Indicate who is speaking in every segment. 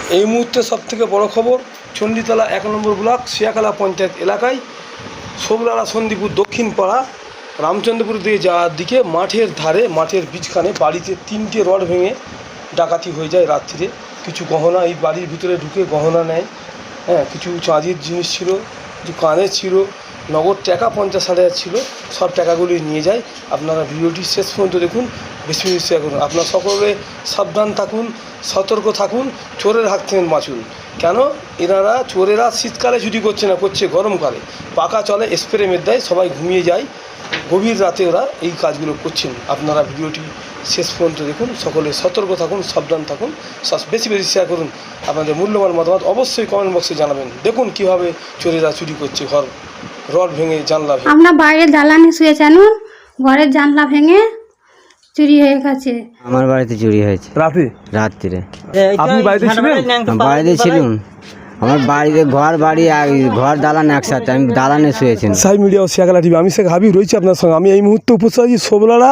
Speaker 1: এই মুহূর্তে সবথেকে বড় খবর, চণ্ডীতলা ১ নম্বর ব্লক শিয়াখালা পঞ্চায়েত এলাকায় সোবলারা সন্দীপুর দক্ষিণ পাড়া রামচন্দ্রপুর দিয়ে যাওয়ার দিকে মাঠের ধারে মাঠের বীজখানে বাড়িতে 3টে রড ভেঙে ডাকাতি হয়ে যায় রাত্রিরে। কিছু গহনা এই বাড়ির ভিতরে ঢুকে গহনা নেয়, কিছু চাঁদির জিনিস ছিল, কিছু কানের ছিল, নগদ টাকা 50,000 ছিল, সব টাকাগুলি নিয়ে যায়। আপনারা ভিডিওটি শেষ পর্যন্ত দেখুন, বেশি বেশি শেয়ার করুন। আপনারা সকলে সাবধান থাকুন, সতর্ক থাকুন, চোরের হাত থেকে বাঁচুন। কেন এনারা চোরেরা শীতকালে চুরি করছে না, করছে গরমকালে। পাকা চলে, স্প্রে মেরে দেয়, সবাই ঘুমিয়ে যায়, গভীর রাতে ওরা এই কাজগুলো করছেন। আপনারা ভিডিওটি শেষ পর্যন্ত দেখুন, সকলে সতর্ক থাকুন, সাবধান থাকুন, বেশি বেশি শেয়ার করুন। আপনাদের মূল্যবান মতামত অবশ্যই কমেন্ট বক্সে জানাবেন। দেখুন কীভাবে চোরেরা চুরি করছে, ঘর রড ভেঙে জানলা ভেঙে।
Speaker 2: আমরা বাইরে দালানে শুয়েছেন, ঘরের জানলা ভেঙে চুরি হয়ে গেছে।
Speaker 3: আমার বাড়িতে চুরি হয়েছে রাত্রিরে।
Speaker 1: আপনি বাড়িতে ছিলেন?
Speaker 3: বাড়িতে ছিলাম। আমার বাড়িতে ঘর দালান একসাথে, আমি দালানে শুয়েছিলাম।
Speaker 1: সাই মিডিয়া ও শিয়াখালা টিভি, আমি শেখ হাবিব রয়েছি আপনার সঙ্গে। আমি এই মুহূর্তে উপস্থিত আছি সোবলারা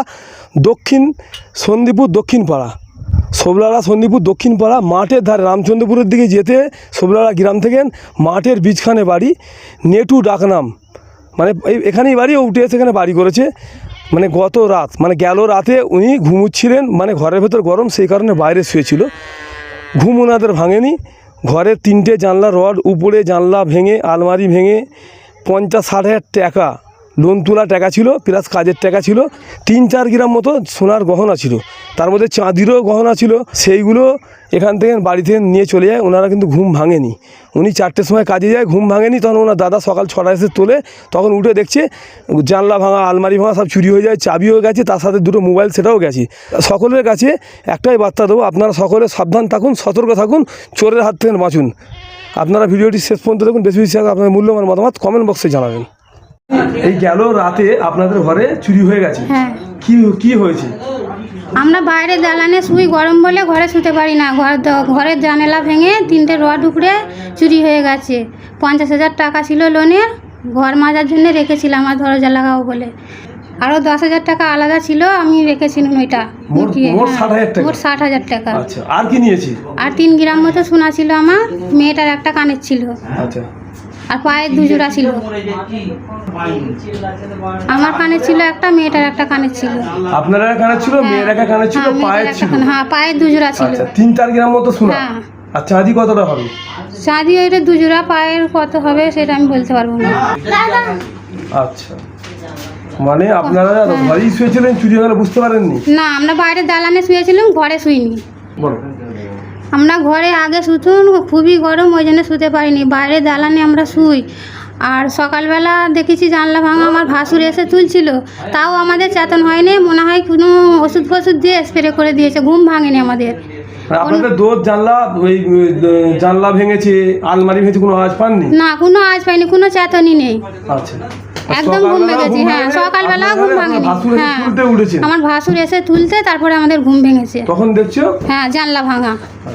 Speaker 1: সন্দীপুর দক্ষিণ পাড়া। সোবলারা সন্দীপুর দক্ষিণ পাড়া মাঠের ধারে রামচন্দ্রপুরের দিকে যেতে সোবলারা গ্রাম থেকে মাঠের বীজখানে বাড়ি, নেটু ডাকনাম, মানে এখানেই বাড়ি, ও উঠে সেখানে বাড়ি করেছে। মানে গত রাত, মানে গেল রাতে উনি ঘুমুচ্ছিলেন, মানে ঘরের ভেতর গরম, সেই কারণে বাইরে শুয়েছিল। ঘুম ওনাদের ভাঙেনি। ঘরের 3টে জানলা রড উপরে, জানলা ভেঙে, আলমারি ভেঙে 50-60 টাকা লোন তোলা টাকা ছিল, প্লাস কাজের টাকা ছিল, 3-4 গ্রাম মতো সোনার গহনা ছিল, তার মধ্যে চাঁদিরও গহনা ছিল। সেইগুলো এখান থেকে বাড়ি থেকে নিয়ে চলে যায়। ওনারা কিন্তু ঘুম ভাঙেনি। উনি 4টের সময় কাজে যায়, ঘুম ভাঙেনি। তখন ওনার দাদা সকাল 6টায় এসে তোলে, তখন উঠে দেখছে জানলা ভাঙা, আলমারি ভাঙা, সব চুরি হয়ে যায়। চাবিও গেছে, তার সাথে 2টো মোবাইল, সেটাও গেছে। সকলের কাছে একটাই বার্তা দেবো, আপনারা সকলে সাবধান থাকুন, সতর্ক থাকুন, চোরের হাত থেকে বাঁচুন। আপনারা ভিডিওটি শেষ পর্যন্ত দেখুন, বেশি বেশি আপনাদের মূল্যবান মতামত কমেন্ট বক্সে জানাবেন। এই গেল রাতে আপনাদের ঘরে চুরি হয়ে গেছে।
Speaker 2: হ্যাঁ,
Speaker 1: কি হয়েছে?
Speaker 2: আমরা বাইরে দালানে শুই, গরম বলে ঘরে শুতে পারি না। ঘরের জানালা ভেঙে 3টে রড উপরে চুরি হয়ে গেছে। 50,000 টাকা ছিল লোনের, ঘর মাজার জন্য রেখেছিলাম আমার দরজা লাগাবো বলে। আরও 10,000 টাকা আলাদা ছিল, আমি রেখেছিলাম ওইটা।
Speaker 1: মোট 60,000 টাকা।
Speaker 2: মোট 60,000 টাকা।
Speaker 1: আচ্ছা, আর কি নিয়েছি?
Speaker 2: আর 3 গ্রাম মতো সোনা ছিল আমার, মেয়েটার একটা কানের ছিল।
Speaker 1: আচ্ছা,
Speaker 2: আর পায়ের 2 জোড়া ছিল। আমার কানে ছিল একটা, মেয়েটার একটা কানে ছিল।
Speaker 1: আপনার কানে ছিল, মেয়ের একটা কানে ছিল, পায়ের ছিল।
Speaker 2: হ্যাঁ, পায়ের 2 জোড়া ছিল।
Speaker 1: আচ্ছা, 3-4 গ্রাম মতো সোনা।
Speaker 2: হ্যাঁ।
Speaker 1: আচ্ছা, আদি কতটা হবে?
Speaker 2: চাঁদি ওইটা 2 জোড়া, পায়ের কত হবে সেটা আমি বলতে পারবো না।
Speaker 1: আচ্ছা, মানে আপনারা ঘরেই শুয়েছিলেন, চুরি হয়ে গেলে বুঝতে পারেননি?
Speaker 2: না, আমরা বাইরে দালানে শুয়েছিলাম, ঘরে শুইনি।
Speaker 1: বলো।
Speaker 2: আমরা ঘরে আগে শুতুন, খুবই গরম, ওই জন্য শুতে পারিনি। বাইরে দালানে আমরা শুই। আর সকালবেলা দেখেছি জানলা ভাঙা, আমার ভাসুর এসে তুলছিল, তাও আমাদের চেতন হয়নি। মনে হয় কোনো ওষুধ ফষুধ দিয়ে স্প্রে করে দিয়েছে, ঘুম ভাঙেনি আমাদের।
Speaker 1: আপনাদের জানলা ভেঙেছে, আলমারি ভেঙেছে, কোনো আওয়াজ পাননি?
Speaker 2: না, কোনো আওয়াজ পাইনি, কোনো চেতনই নেই।
Speaker 1: আচ্ছা,
Speaker 2: একদম ঘুম ভেঙেছি। হ্যাঁ, সকালবেলা ঘুম ভাঙেনি। হ্যাঁ, আমার ভাসুর এসে তুলতে, তারপরে আমাদের ঘুম ভেঙেছে।
Speaker 1: তখন দেখছো?
Speaker 2: হ্যাঁ, জানলা ভাঙা,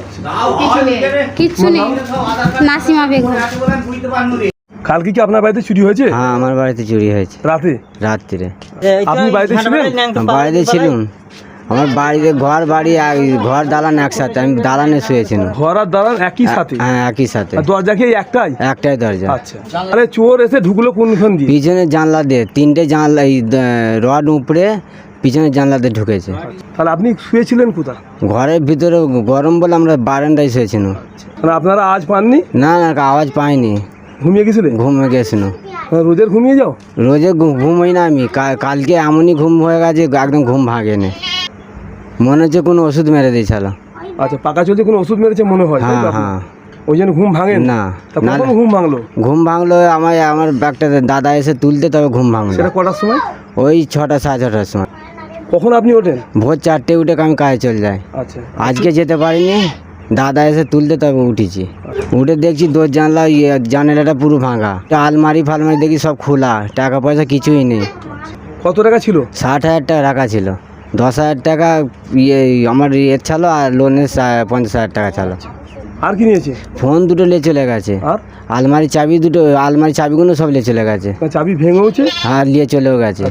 Speaker 2: কিচ্ছু নেই। নাসিমা বেগম।
Speaker 1: কালকে কি আপনার বাড়িতে চুরি হয়েছে?
Speaker 3: হ্যাঁ, আমার বাড়িতে চুরি হয়েছে
Speaker 1: রাত্রিরে।
Speaker 3: আপনি
Speaker 1: বাড়িতে ছিলেন?
Speaker 3: বাড়িতে ছিলাম। আমার বাড়িতে ঘর দালান একসাথে, আমি দালানে শুয়েছিলাম।
Speaker 1: ঘর আর দালান একই সাথে?
Speaker 3: হ্যাঁ, একই সাথে।
Speaker 1: দরজা কি একটাই
Speaker 3: দরজা?
Speaker 1: আচ্ছা, তাহলে চোর এসে ঢুকলো কোনখান দিয়ে?
Speaker 3: পিছনে জানলা দিয়ে, 3টে জানলা, এই রড উপরে পিছনে জানলাতে ঢুকেছে।
Speaker 1: তাহলে আপনি শুয়েছিলেন কোথায়?
Speaker 3: ঘরের ভিতরে গরম বলে আমরা বারান্দায় শুয়েছিলাম।
Speaker 1: তাহলে আপনারা আওয়াজ পাননি?
Speaker 3: না, আওয়াজ পাইনি।
Speaker 1: ঘুমিয়ে গেছিলেন?
Speaker 3: ঘুমিয়ে গেছিল।
Speaker 1: রোজের ঘুমিয়ে যাও?
Speaker 3: রোজে ঘুমোই না আমি। কালকে এমনই ঘুম হয়ে গেছে, একদম ঘুম ভাঙেনি। মনে হচ্ছে কোনো ওষুধ মেরে দিয়েছিল।
Speaker 1: আচ্ছা, পাকা চলছে, কোনো ওষুধ মেরেছে মনে হয়?
Speaker 3: হ্যাঁ।
Speaker 1: ওই জন্য ঘুম ভাঙে
Speaker 3: না?
Speaker 1: কখন ঘুম ভাঙলো?
Speaker 3: আমার একটা দাদা এসে তুলতে, তবে ঘুম ভাঙলো।
Speaker 1: সেটা কটার সময়?
Speaker 3: ওই 6টা, 6:30 সময়।
Speaker 1: কখন আপনি ওঠেন?
Speaker 3: ভোর 4টে উঠে আমি কাজে চলে যাই।
Speaker 1: আচ্ছা,
Speaker 3: আজকে যেতে পারিনি, দাদা এসে তুলতে, তবে উঠেছি। উঠে দেখছি জানালাটা পুরো ভাঙা, আলমারি ফালমারি দেখি সব খোলা, টাকা পয়সা কিছুই নেই।
Speaker 1: কত টাকা ছিল?
Speaker 3: 60,000 টাকা রাখা ছিল। 10,000 টাকা আমার ছিল, আর লোনের 50,000 টাকা ছিল।
Speaker 1: আর কি নিয়েছে?
Speaker 3: ফোন 2টো নিয়ে চলে গেছে।
Speaker 1: আর
Speaker 3: আলমারি চাবিগুলো সব নিয়ে চলে গেছে।
Speaker 1: চাবি ভেঙেছে?
Speaker 3: হ্যাঁ, নিয়ে চলেও গেছে।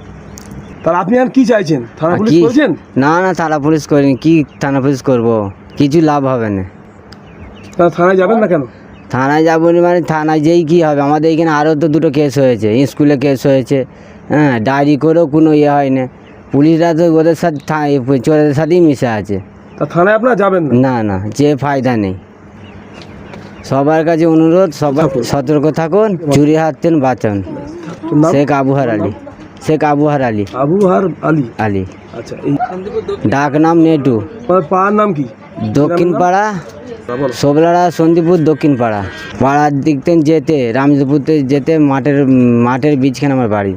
Speaker 1: তাহলে আপনি আর কি চাইছেন? থানা পুলিশ করেছেন?
Speaker 3: না, থানা পুলিশ করিনি। কি থানা পুলিশ করবো? কিছু লাভ হবে না।
Speaker 1: তা থানায় যাবেন না কেন?
Speaker 3: থানায় যাবো না মানে থানায় যেই কী হবে, আমাদের এখানে আরও তো দুটো কেস হয়েছে, স্কুলে কেস হয়েছে, হ্যাঁ, ডায়েরি করেও কোনো ইয়ে হয় না। পুলিশরা তো ওদের সাথে চোরেদের সাথেই মিশে আছে।
Speaker 1: তা থানায় আপনারা যাবেন না?
Speaker 3: না না, যে ফায়দা নেই। সবার কাছে অনুরোধ, সবাই সতর্ক থাকুন, চুরি হাত থেকে বাঁচান।
Speaker 1: নাম?
Speaker 3: শেখ আবুহার আলী। শেখ আবুহার আলী।
Speaker 1: আবুহার আলী।
Speaker 3: আলী।
Speaker 1: আচ্ছা, এই
Speaker 3: ডাক নাম নেটু।
Speaker 1: আপনার পাড়ার নাম কি?
Speaker 3: দক্ষিণ পাড়া,
Speaker 1: বলো।
Speaker 3: সোবলাড়া সন্দীপুর দক্ষিণ পাড়া। পাড়ার দিক থেকে যেতে রামজপুরতে যেতে মাঠের বীজখানে আমার বাড়ি।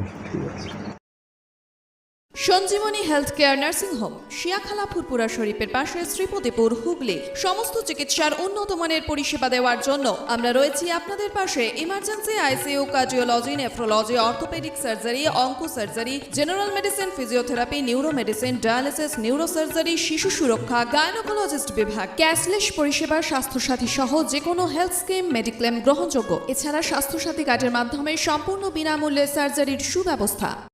Speaker 4: Sanjeevani health care nursing home, Shiakhala Furfura শরীফের পাশে, শ্রীপতিপুর, হুগলি। সমস্ত চিকিৎসার উন্নত মানের পরিষেবা দেওয়ার জন্য আমরা রয়েছি আপনাদের পাশে। Emergency, ICU, cardiology, nephrology, orthopaedic surgery, onco surgery, general medicine, physiotherapy, neuro medicine, dialysis, neuro surgery, শিশু সুরক্ষা, গাইনোকোলজিস্ট বিভাগ, ক্যাশলেস পরিষেবা, স্বাস্থ্যসাথী সহ যে কোনো হেলথ স্কিম, মেডিক্লেম গ্রহণযোগ্য। এছাড়া স্বাস্থ্যসাথী কার্ডের মাধ্যমে সম্পূর্ণ বিনামূল্যে সার্জারির সুব্যবস্থা।